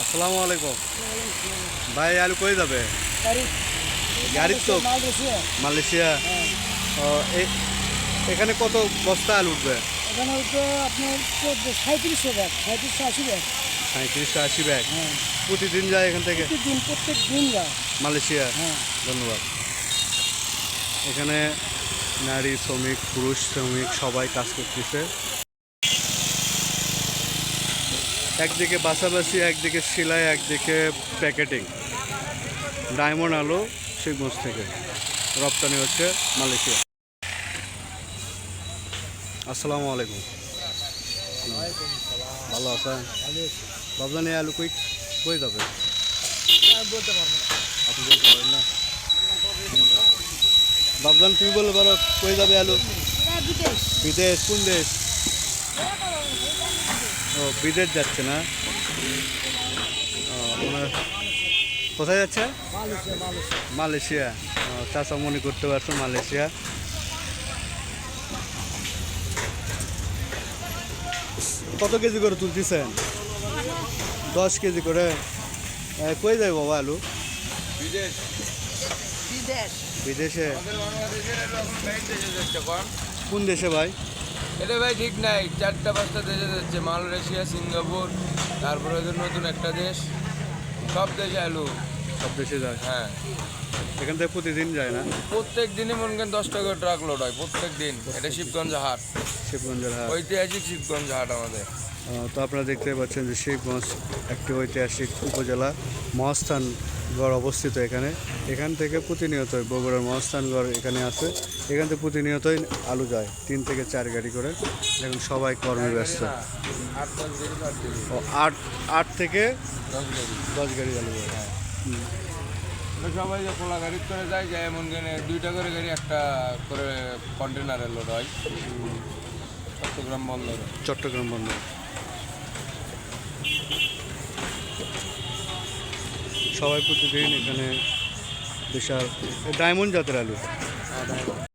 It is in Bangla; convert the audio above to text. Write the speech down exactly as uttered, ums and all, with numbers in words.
আসসালামু আলাইকুম ভাই, আলু কই যাবে? গাড়ি তো মালয়েশিয়া। ও, এ- এখানে কত বস্তা আলু উঠবে? এখানে উঠবে আপনার সাঁত্রিশশো ব্যাগ, সাঁত্রিশশো আশি ব্যাগ। সাঁত্রিশশো আশি ব্যাগ হ্যাঁ, প্রতিদিন যায় এখান থেকে প্রত্যেক দিন প্রত্যেক দিন যায়। মালয়েশিয়া। হ্যাঁ, ধন্যবাদ। এখানে নারী শ্রমিক, পুরুষ শ্রমিক সবাই কাজ করতেছে। একদিকে বাছাবাছি, একদিকে সেলাই, একদিকে প্যাকেটিং। ডায়মন্ড আলু শিবগঞ্জ থেকে রপ্তানি হচ্ছে মালয়েশিয়া। আসসালামু আলাইকুম। ভালো আছেন? ভাবলেন এই আলু কই কই যাবে? বলতে পারবো না। আপনি বলতে পারেন না? ভাবলেন তুমি বলতে পারো কই যাবে আলু? বিদেশ। বিদেশ? কোন দেশ? ও, বিদেশ যাচ্ছে না? ও, ওনার কোথায় যাচ্ছে? Malaysia, Malaysia. মালয়েশিয়া। ও, চাচা মনে করতে পারছো মালয়েশিয়া। কত কেজি করে তুলতেছেন? দশ কেজি করে। এ, কই যাবে বাবা আলু? বিদেশ বিদেশ। বিদেশে? আমাদের বাংলাদেশের আলু এখন বাইরে দেশে যাচ্ছে কম। কোন দেশে ভাই? এটা ভাই ঠিক নাই, চারটা পাঁচটা দেশে যাচ্ছে, মালয়েশিয়া, সিঙ্গাপুর, তারপরে ওদের নতুন একটা দেশ, সব দেশে আলু। সব দেশে যায়? হ্যাঁ, এখান থেকে প্রতিদিন যায় না? প্রত্যেক দিনই মনে করেন দশ টাকা ট্রাক লোড হয় প্রত্যেক দিন। এটা শিবগঞ্জ হাট, শিবগঞ্জের হাট। ঐতিহাসিক শিবগঞ্জ হাট আমাদের। আহ, তো আপনারা দেখতে পাচ্ছেন যে শিবগঞ্জ একটি ঐতিহাসিক উপজেলা। মহাস্থানগড় অবস্থিত এখানে। এখান থেকে প্রতিনিয়তই বগুড়ার মহাস্থানগড় এখানে আছে। এখান থেকে প্রতিনিয়তই আলু যায় তিন থেকে চার গাড়ি করে। এখন সবাই কর্মে ব্যস্ত। না, আট দশ দিন আট দিন ও, আট আট থেকে দশ গাড়ি। দশ গাড়ি আলু যায়। হ্যাঁ, হুম। তো সবাই যে খোলা গাড়ি করে যায়, যায় এমন গেলে দুইটা করে গাড়ি একটা করে কন্টেনারে লোড হয় চট্টগ্রাম বন্দরে। চট্টগ্রাম বন্দর। সবাই প্রতিদিন এখানে বিশাল ডায়মন্ড জাতের আলু।